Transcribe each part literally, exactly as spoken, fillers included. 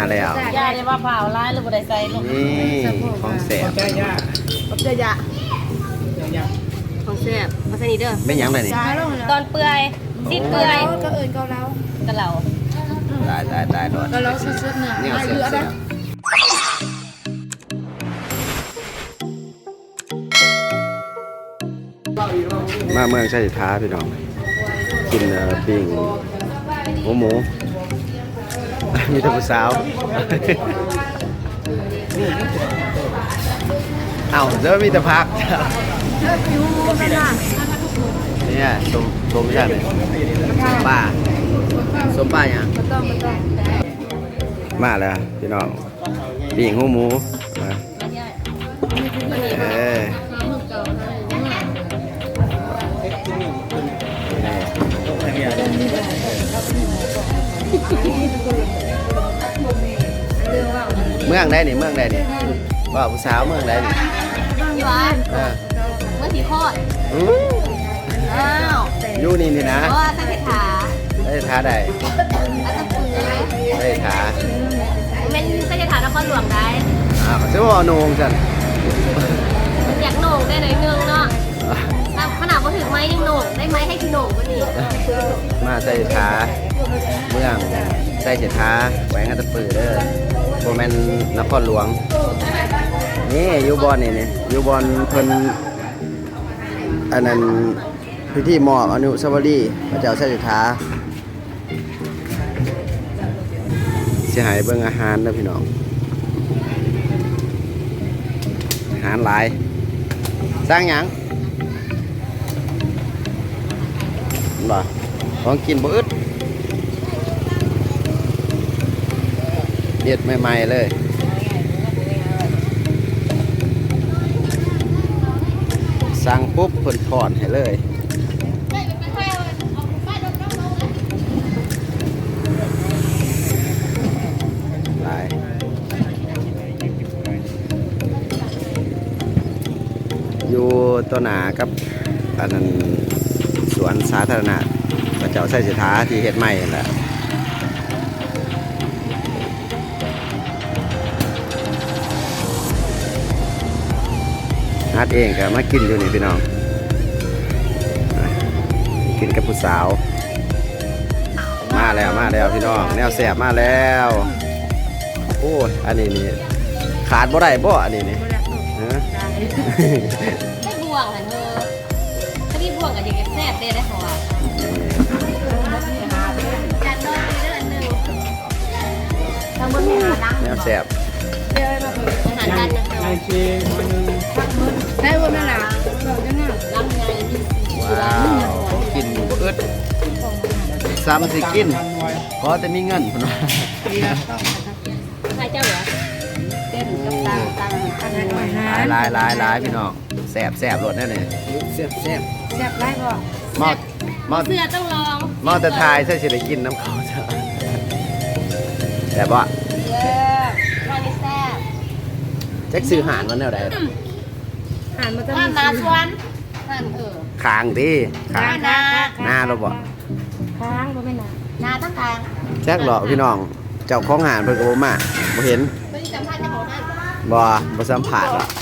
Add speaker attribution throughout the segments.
Speaker 1: แล้ว
Speaker 2: ย่าได้ว่าเผาร้ายหรือบ่ได้ใส่ลูก
Speaker 1: นี่ของแสบ
Speaker 3: ขอบใจยะของแซ่บมาใส่นี่เด้อ
Speaker 1: ไม่ยั้งเลยนี่
Speaker 2: ตอนเปื่อยสิ้นเปื่อย
Speaker 3: ก็เอิญเกาเหลาก
Speaker 2: ะเหล่า
Speaker 1: ตายตายตายโดน
Speaker 3: เกาเหลาสุดๆเนี่ย
Speaker 1: นี่เสียบมาเมืองชัยท้าพี่น้องกินปิ้งหมูหมูมีแต่ผู้สาวเอ้าเจอมีแต่พักเนี่ยสมสมใช่ไหมสมป้าสมป้าอย่างมาแล้วพี่น้องปิ้งหมูหมูเออเมืองได้นี่เมืองได้นี่ว่าผู้สาวเมืองได้นี่
Speaker 2: อยู่อ่ะเมื่อสีโคตรอ้าว
Speaker 1: อยู่นี่นี่นะ
Speaker 2: เพราะว่าตั้งแต่ขา
Speaker 1: ได้ท้าได้ได้ท้า
Speaker 2: เป็นตั้งแต่ขานครหลวงได้
Speaker 1: อ่าเขาจะว่าโหน่งจัน
Speaker 2: อยากโหน่งได้หน่อยนึงเนาะขนาดพอถึงไม้ยังโหน่งได้ไหมให้คือโหน่งก็นี่
Speaker 1: มาใส่ท้าเมืองใส่เจ็ดท้าแหวงอัตตปือเด้อโบแมนนครหลวงนี่ยูบอลนี่นี่ยูบอลเพิ่นอันนั้นพิธีมอบอนุสาวรีย์พระเจ้าใส่เจ็ดท้าเสียหายเบิ่งอาหารนะพี่น้องอาหารหลายสร้างหยังบ่ของกินบ่อึดเด็ดใหม่ๆเลยสั่งปุ๊บเพิ่นถอนให้เลยหลายอยู่ตัวหนากับอันนั้นสวนสาธารณะพระเจ้าไส้สิทธาที่เฮ็ดใหม่นั่นแหละฮัดเองก็มากินอยู่นี่พี่น้องกินกับผู้สาวมาแล้วมาแล้วพี่น้องแนวแสบมาแล้วโอ้ยอันนี้นี่ขาดบ่ได้บ่อันนี้นี่ฮะ
Speaker 2: ไม่บ่วงอ่ะเธอถ้าพี่บ่วงกับเด็กแซ่บเด้ได้ของอ่ะจานน้อยเดือนหนึ่งทำบนหาดัง
Speaker 1: แนวแสบ
Speaker 2: อาหารจานนึงไอเชน
Speaker 3: ได้บนนั่นน่ะเราจะน่ะ
Speaker 2: ลำไย
Speaker 1: ว้าวเขากินบ่อึดซ้ำสิกินขอแต่มีเงินพุ่นว่า
Speaker 2: ใครเจ้าเหรอเต้นกับตังตังตัง
Speaker 1: หลายหลายหลายพี่น้องแสบแสบรสแน่เลยแสบแสบ
Speaker 3: แซ่บได้บ่
Speaker 1: มอดมอด
Speaker 2: เสื้อต้องลอง
Speaker 1: มอดแต่ทายใช่สิได้กินน้ำเขาจ้ะแต่บ่
Speaker 2: เยอะรอนี่แซ่บ
Speaker 1: แจ็คซื้อหานวันแนวใด
Speaker 3: หานมาจะ
Speaker 2: มีนาชวนนั่นเออ
Speaker 1: คางดิคาง
Speaker 2: นา
Speaker 1: หน้าเราบ่
Speaker 3: ค้างบ่แม่นน่ะ
Speaker 2: นาตั้งทาง
Speaker 1: แจ็คหรอพี่น้องเจ้าของหานเพิ่นก็บ่มาบ่เห็น
Speaker 2: ไม่ได้สัมภาษณ์เจ้าของนั่น
Speaker 1: บ่บ่สัมผัสหรอก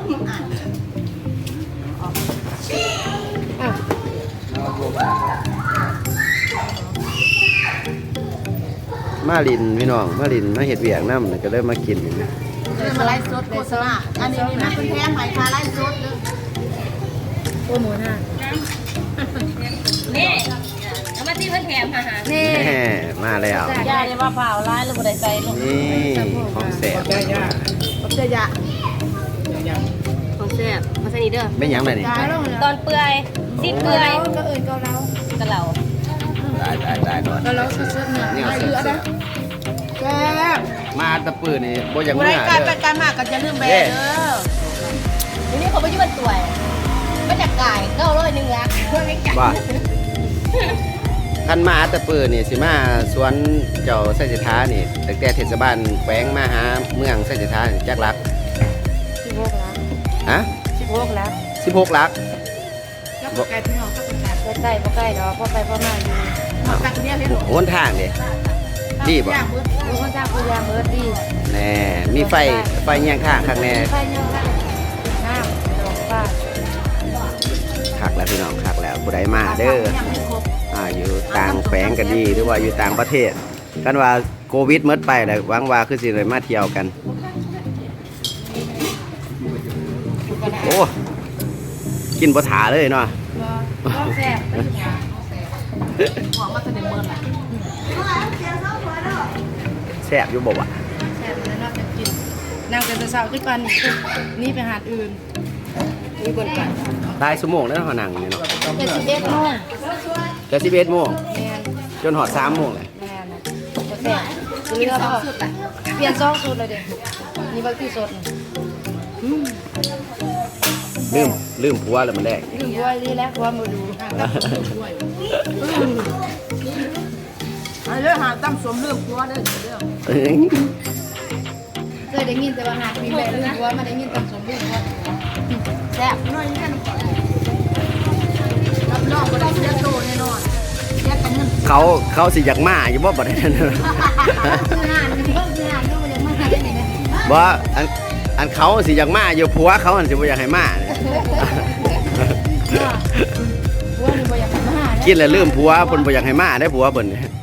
Speaker 1: มาลินพี่น้องมาลินมาเห็ดเวียงน้ำก็เลยมากิน
Speaker 2: เลยมาไล่สดโฆษณาอันนี้มีมาเป็นแพงไหมคะไล่สดเลย
Speaker 3: โอ้โหน่ะ
Speaker 2: นี่เอามาที่เพื่อนแถมอาหาร
Speaker 1: นี่มาแล้ว
Speaker 2: ย่าได้ว่าเผาร้ายหรือบ่ได้ใส่ลูก
Speaker 1: นี่ของแสบ
Speaker 3: ขอบใจยะของแซ่บมาใส่นี่เด้อ
Speaker 1: ไม่ยั้งเลยนี่
Speaker 2: ตอนเปื่อยสิ้นเปื่อย
Speaker 3: ก็เอิญเกาเหลากะ
Speaker 2: เหล่า
Speaker 1: ได้ได้ได้โดน
Speaker 3: เกาเหลาสุดๆเนี่ย
Speaker 1: นี่เสียบ
Speaker 3: แซ่บ
Speaker 1: มาตะปื้อนี่บ่อย่างเมื่อ
Speaker 3: การไปการมาก็จะลืมแบเด้อ
Speaker 2: ทีนี้เขาไปยืมตัวก็จะก่ายเก้าร้อยหนึ่งละเพื่อไม่จับ
Speaker 1: ว่าคันมาตะปื้อนี่สิมาสวนเจ้าไส้สิทธานี่ตั้งแต่เทศบาลแขวงมาหาเมืองไส้สิทธาจักรัก
Speaker 3: สิบหกลัก
Speaker 1: ฮะ
Speaker 3: สิบหกลัก
Speaker 1: สิบหกลัก
Speaker 3: บ่ไกลพี่น้องก็เป็นใกล้บ่ใกล้ดอกพอไปพอมาอยู่ตักเนี่ยเลย
Speaker 1: โอนทางเด้
Speaker 3: ท
Speaker 1: ดีบ่
Speaker 3: ย่างมืดโอ้คนจ้างกูย่างมืดดี
Speaker 1: แน่มีไฟไฟเงี้ยงข้างข้างแน่
Speaker 3: ไฟยังไงน้ำดอกป้า
Speaker 1: คักแล้วพี่น้องคักแล้วผู้ใดมาเด้ออ่าอยู่ต่างแขวงก็ดีหรือว่าอยู่ต่างประเทศกันว่าโควิดหมดไปแล้วหวังว่าคือสิได้มาเที่ยวกันโอ้กินบ่ถาเลยเนาะ
Speaker 3: ก็แซ่บไม่ถึงของมาเสนอเมินอ่ะ
Speaker 1: แซ่บอยู่บ่วะ
Speaker 3: แซ่บแล้วนอกจากกินนั่งเป็นตะเสาขึ้นปันนี่ไปหาดอื่นมีบนกัน
Speaker 1: ตายชั่วโมงแล้วเฮานั่งนี่เนาะ
Speaker 3: เป็นสิบเอ็ดโมง
Speaker 1: แต่สิบเอ็ดโมง
Speaker 3: แมน
Speaker 1: จนฮอดสามโมงเลย
Speaker 3: แมนก็แซ่บเรือพ่อเปลี่ยนซองสูตรเลยเด็กนี่บางที่สด
Speaker 1: ลืมลืมผัวแล้วมันได้
Speaker 3: ลืมด้วยนี่แล้วความมาดูอันเรื่องหาตั้มสมเรื่องผัวเด้อเรื่องเคยได้ยินแต่ว่าหากมีแม่เรื่องผัวมาได้ยินตั้มสมเรื่องผัวแซ่บน้อยกันรับรองบ่ได้เสียโตแน่นอนเสียกันเงิน
Speaker 1: เขาเขาสิอยากมาอยู่บ่บัดนั้น
Speaker 3: คืองานคือคืองานก็บ่ได้มาได้นี่นะ
Speaker 1: บ่อันอันเขาสิอยากมาอยู่ผัวเขาอันสิบ่อยากให้มาเนี่ย
Speaker 3: ผัวนี่บ่อยากมา
Speaker 1: กินแล้วลืมผัวเพิ่นบ่อยากให้มาได้ผัวเพิ่นเนี่ย